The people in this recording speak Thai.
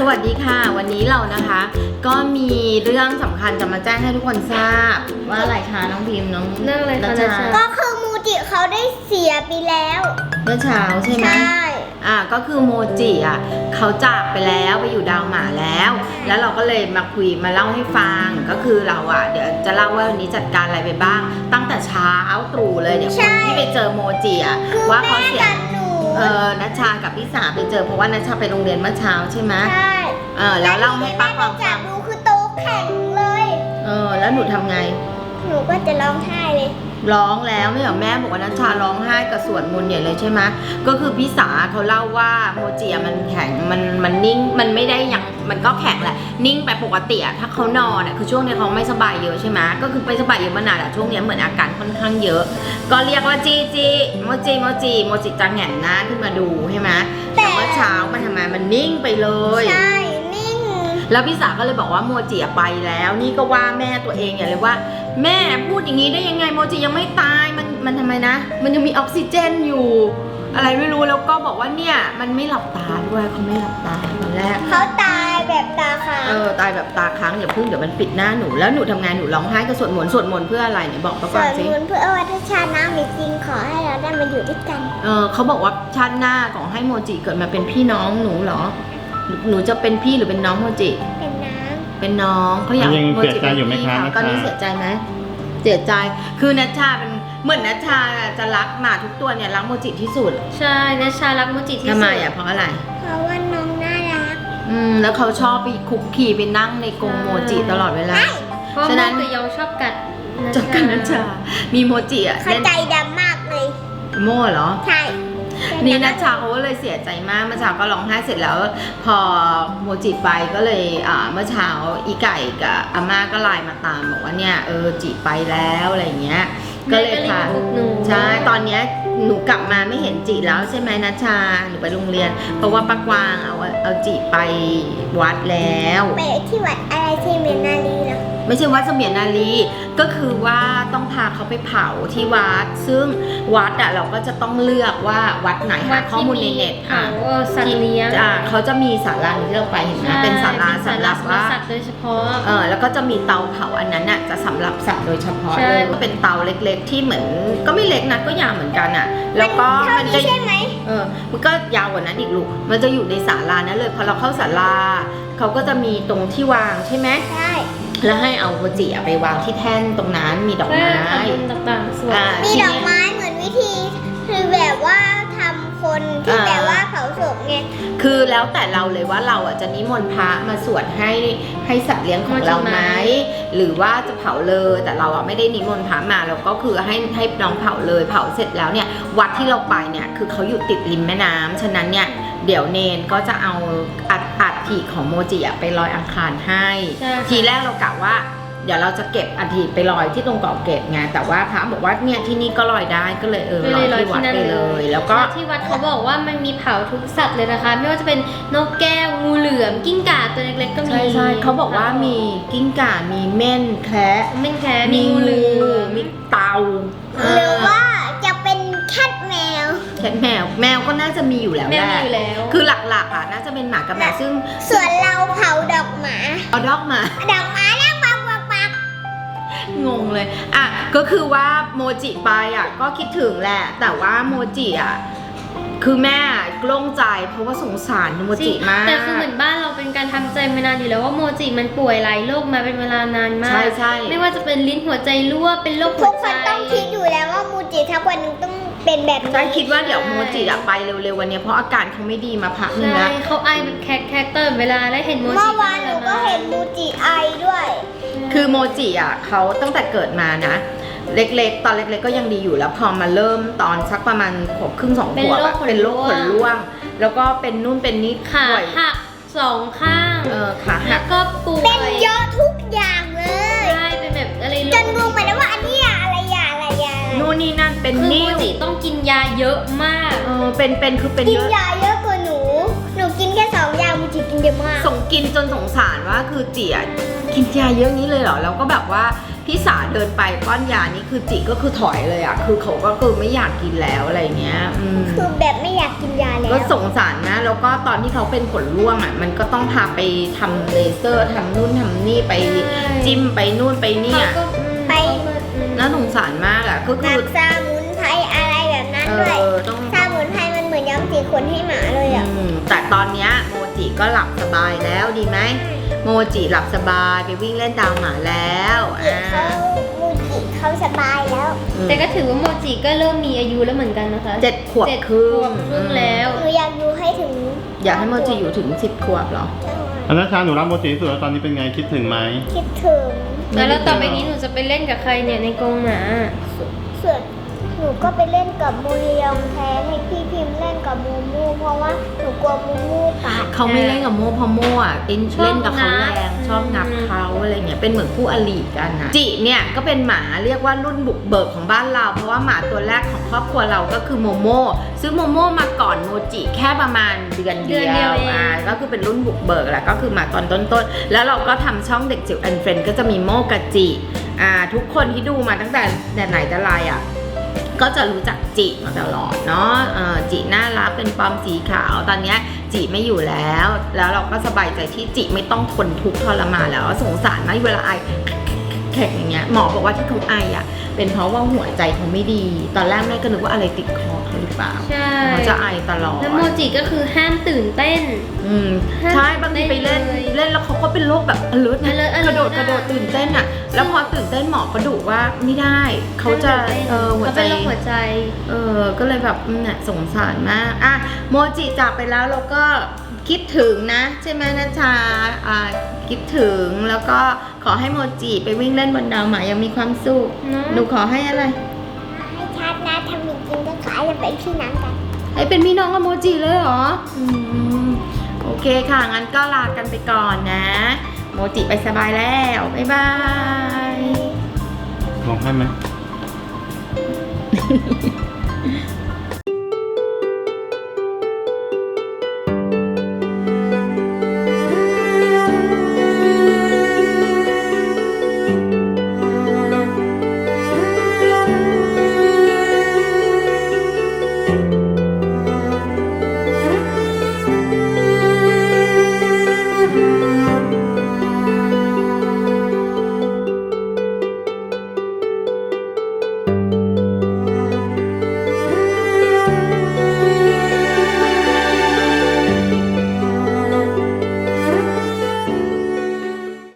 วัสดีค่ะวันนี้เรานะคะก็มีเรื่องสำคัญจะมาแจ้งให้ทุกคนทราบว่าอะไรคะน้องพิมพ์น้องเรื่องอะไรคะนัชชาก็คือมูจิเขาได้เสียไปแล้วเมื่อเช้าใช่ไหมใช่ก็คือโมจิเขาจากไปแล้วไปอยู่ดาวหมาแล้วเราก็เลยมาคุยมาเล่าให้ฟังก็คือเราเดี๋ยวจะเล่าว่าวันนี้จัดการอะไรไปบ้างตั้งแต่เช้าตรู่เลยเดี๋ยวคนที่ไปเจอโมจิว่าเขาเสียนัชชากับพี่สาไปเจอเพราะว่านัชชาไปโรงเรียนเมื่อเช้าใช่ไหมใช่แล้วเล่าให้ป้าฟังจับดูคือโตแข็งเลยแล้วหนูทำไงหนูก็จะร้องไห้เลยร้องแล้วไม่เหรอแม่บอกว่านัชชาร้องไห้กับสวดมนต์ใหญ่เลยใช่ไหมก็คือพี่สาเขาเล่าว่าโมจิมันแข็งมันนิ่งมันไม่ได้ยังมันก็แข็งแหละนิ่งไปปกติถ้าเขานอนคือช่วงนี้เขาไม่สบายเยอะใช่ไหมก็คือไม่สบายเยอะมานานช่วงนี้เหมือนอาการค่อนข้างเยอะก็เรียกว่าจีโมจิจะแหงนหน้าขึ้นมาดูใช่ไหมแต่เมื่อเช้ามันทำไมมันนิ่งไปเลยใช่นิ่งแล้วพี่สาก็เลยบอกว่าโมจิไปแล้วนี่ก็ว่าแม่ตัวเองอย่างเลยว่าแม่พูดอย่างนี้ได้ยังไงโมจิยังไม่ตายมันทำไมนะมันยังมีออกซิเจนอยู่อะไรไม่รู้แล้วก็บอกว่าเนี่ยมันไม่หลับตาด้วยเขาไม่หลับตาตอนแรกเขาตายแบบตาค้างตายแบบตาค้างอย่าพึ่งเดี๋ยวมันปิดหน้าหนูแล้วหนูทำงานหนูร้องไห้ก็สวดมนต์เพื่ออะไรเนี่ยบอกป้าก่อนสิสวดมนต์เพื่อว่าถ้าชาติหน้ามีจริงขอให้เราได้มาอยู่ด้วยกันเขาบอกว่าชาติหน้าขอให้โมจิเกิดมาเป็นพี่น้องหนูเหรอหนูจะเป็นพี่หรือเป็นน้องโมจิเป็นน้องเขาอยากโมจิเป็นพี่ตอนนี้เสียใจไหมเสียใจคือนัชชาเป็นเหมือนนัชชาจะรักหมาทุกตัวเนี่ยรักโมจิที่สุดใช่นัชชารักโมจิที่สุดทำไมเพราะอะไรเพราะว่าน้องน่ารักแล้วเขาชอบไปคุกคีไปนั่งในกรงโมจิตลอดเวลาฉะนั้นตัวยองชอบกัดนัชชามีโมจิเขาใจดำมากเลยโม่เหรอใช่นี่นัชชาเขาก็เลยเสียใจมากเมื่อเช้าก็ร้องไห้เสร็จแล้วพอโมจิไปก็เลยเมื่อเช้าอีไก่กับอาม่าก็ไลน์มาตามบอกว่าเนี่ยจิไปแล้วอะไรเงี้ยก็เลยพาใช่ตอนเนี้ยหนูกลับมาไม่เห็นจิแล้วใช่ไหมนัชชาหนูไปโรงเรียนเพราะว่าป้ากวางเอาจิไปวัดแล้วไปที่วัดอะไรเสมียนนารีเหรอไม่ใช่วัดเสมียนนารีก็คือว่าต้องพาเขาไปเผาที่วัดซึ่งวัดเราก็จะต้องเลือกว่าวัดไหนหาข้อมูลในเน็ตสัตว์เลี้ยงเขาจะมีศาลาที่เราไปเห็นไหมเป็นศาลาสำหรับว่าสัตว์โดยเฉพาะแล้วก็จะมีเตาเผาอันนั้นจะสำหรับสัตว์โดยเฉพาะเลยก็เป็นเตาเล็กๆที่เหมือนก็ไม่เล็กนะก็ยาวเหมือนกันแล้วก็มันจะใช่ไหมมันก็ยาวกว่านั้นอีกลูกมันจะอยู่ในศาลานั้นเลยพอเราเข้าศาลาเขาก็จะมีตรงที่วางใช่ไหมใช่แล้วให้เอาโมจิไปวางที่แท่นตรงนั้นมีดอกไม้ต่างๆส่วนมีดอกไม้เหมือนวิธีคือแบบว่าทำคนที่แบบว่าเผาศพไงคือแล้วแต่เราเลยว่าเราจะนิมนต์พระมาสวดให้สัตว์เลี้ยงของเราไหมหรือว่าจะเผาเลยแต่เราไม่ได้นิมนต์พระมาเราก็คือให้น้องเผาเลยเผาเสร็จแล้วเนี่ยวัดที่เราไปเนี่ยคือเขาอยู่ติดริมแม่น้ำฉะนั้นเนี่ยเดี๋ยวเนนก็จะเอาอัฐิของโมจิไปลอยอังคารให้ทีแรกเรากะว่าเดี๋ยวเราจะเก็บอัฐิไปลอยที่ตรงเกาะเกร็ดไงแต่ว่าพระบอกว่าเนี่ยที่นี่ก็ลอยได้ก็เลยลอยที่วัดไปเลยแล้วก็ที่วัดเขาบอกว่ามันมีเผาทุกสัตว์เลยนะคะไม่ว่าจะเป็นนกแก้วงูเหลือมกิ้งก่าตัวเล็กๆก็มีใช่เขาบอกว่ามีกิ้งก่ามีเม่นแคระมีงูเหลือมมีเต่าหรือว่าจะเป็นแคทแมวแมวก็น่าจะมีอยู่แล้วแหละคือหลักๆน่าจะเป็นหมากับแมวซึ่งส่วนเราเผาดอกหมาเอาดอกหมาแล้วปักงงเลยก็คือว่าโมจิไปก็คิดถึงแหละแต่ว่าโมจิคือแม่กลุ้มใจเพราะว่าสงสารโมจิมากแต่คือเหมือนบ้านเราเป็นการทำใจมานานอยู่แล้วว่าโมจิมันป่วยหลายโรคมาเป็นเวลานานมากใช่ไม่ว่าจะเป็นลิ้นหัวใจรั่วเป็นโรคหัวใจทุกคนต้องคิดอยู่แล้วว่าโมจิทักวันนึงต้องเป็นแบบนี้ใช่คิดว่าเดี๋ยวโมจิไปเร็วๆวันนี้เพราะอาการเขาไม่ดีมาพักนึงแล้วเขาไอแบบแคกเตอร์เวลาแล้วเห็นโมจิเมื่อวานหนูก็เห็นโมจิไอด้วยคือโมจิเขาตั้งแต่เกิดมานะเล็กๆตอนเล็กๆก็ยังดีอยู่แล้วพอมาเริ่มตอนสักประมาณขวบครึ่ง2 ขวบเป็นโรคขนร่วงแล้วก็เป็นนู่นเป็นนี่ขาหัก2 ข้างขาหักก็ป่วยเป็นเยอะทุกอย่างเลยใช่เป็นแบบอะไรจนงงไปแล้วว่าอันนี้อะไรนู่นนี่นั่นเป็นนิ้วโมจิต้องกินยาเยอะมากคือเป็นกินยาเยอะกว่าหนูกินแค่2 ยาโมจิกินเยอะมากกินจนสงสารว่าคือจิกินยาเยอะนี้เลยเหรอแล้วก็แบบว่าพี่สาเดินไปป้อนยานี่คือจิก็คือถอยเลยอะคือเขาก็คือไม่อยากกินแล้วอะไรเงี้ยคือแบบไม่อยากกินยาแล้วก็สงสารนะแล้วก็ตอนที่เขาเป็นขนร่วงอะมันก็ต้องพาไปทำเลเซอร์ทำนู่นทำนี่ไปจิ้มไปนู่นไปนี่อะไปน่าสงสารมากอะก็หคืนัอกสมุนไพรอะไรแบบนั้นด้วยต้องสมุนไพรมันเหมือนย้อมสีขนให้หมาเลยอ่ะแต่ตอนเนี้ยโมจิก็หลับสบายแล้วดีไหมโมจิหลับสบายไปวิ่งเล่นตามหมาแล้วมูจิเขาสบายแล้วแต่ก็ถือว่าโมจิก็เริ่มมีอายุแล้วเหมือนกันนะคะ 7 ขวบครึ่งแล้วหนูอยากดูให้ถึงอยากให้โมจิอยู่ถึง 10 ขวบเหรออันนั้นชาหนูรักโมจิที่สุดแล้วตอนนี้เป็นไงคิดถึงไหมคิดถึงแล้วต่อไปนี้หนูจะไปเล่นกับใครเนี่ยในกรงหมาส่วนหนูก็ไปเล่นกับมูเรียงแทนให้พี่พิมพ์เล่นกับมูมูเพราะว่าหนูกลัวมูมูกัดเขาไม่เล่นกับโมเพราะโมอ่ะเล่นกับเขาแรงชอบงับเขาอะไรเงี้ยเป็นเหมือนคู่อริกันนะจิเนี่ยก็เป็นหมาเรียกว่ารุ่นบุกเบิกของบ้านเราเพราะว่าหมาตัวแรกของครอบครัวเราก็คือโมโมซึ่งโมโมมาก่อนโมจิแค่ประมาณเดือนเดียวก็คือเป็นรุ่นบุกเบิกแหละก็คือมาตอนต้นๆแล้วเราก็ทำช่องเด็กจิ๋วแอนเฟรนก็จะมีโมกับจิทุกคนที่ดูมาตั้งแต่ไหนแต่ไรอ่ะก็จะรู้จักจิมาตลอดเนาะจิน่ารักเป็นปอมสีขาวตอนนี้จิไม่อยู่แล้วเราก็สบายใจที่จิไม่ต้องทนทุกข์ทรมานแล้วสงสารมากเวลาไอแข็งอย่างเงี้ยหมอบอกว่าที่เขาไออ่ะเป็นเพราะว่าหัวใจเขาไม่ดีตอนแรกแม่ก็นึกว่าอะไรติดคอเขาหรือเปล่าใช่เขาจะไอตลอดแล้วโมจิก็คือห้ามตื่นเต้นใช่บางทีไปเล่นแล้วเขาก็เป็นโรคแบบalert นะ alert กระโดดตื่นเต้นอ่ะแล้วพอตื่นเต้นหมอก็ดุว่าไม่ได้เขาจะหัวใจเขาเป็นโรคหัวใจก็เลยแบบน่ะสงสารมากอ่ะโมจิจากไปแล้วเราก็คิดถึงนะใช่ไหมนะชาคิดถึงแล้วก็ขอให้โมจิไปวิ่งเล่นบนดาวหมายังมีความสุขเนอะหนูขอให้อะไรให้ชัดนะทำจริงๆก็ขายจะเป็นพี่น้องกันให้เป็นพี่น้องกับโมจิเลยเหรอโอเคค่ะงั้นก็ลากันไปก่อนนะ โมจิไปสบายแล้วบ๊ายบายลองให้ไหม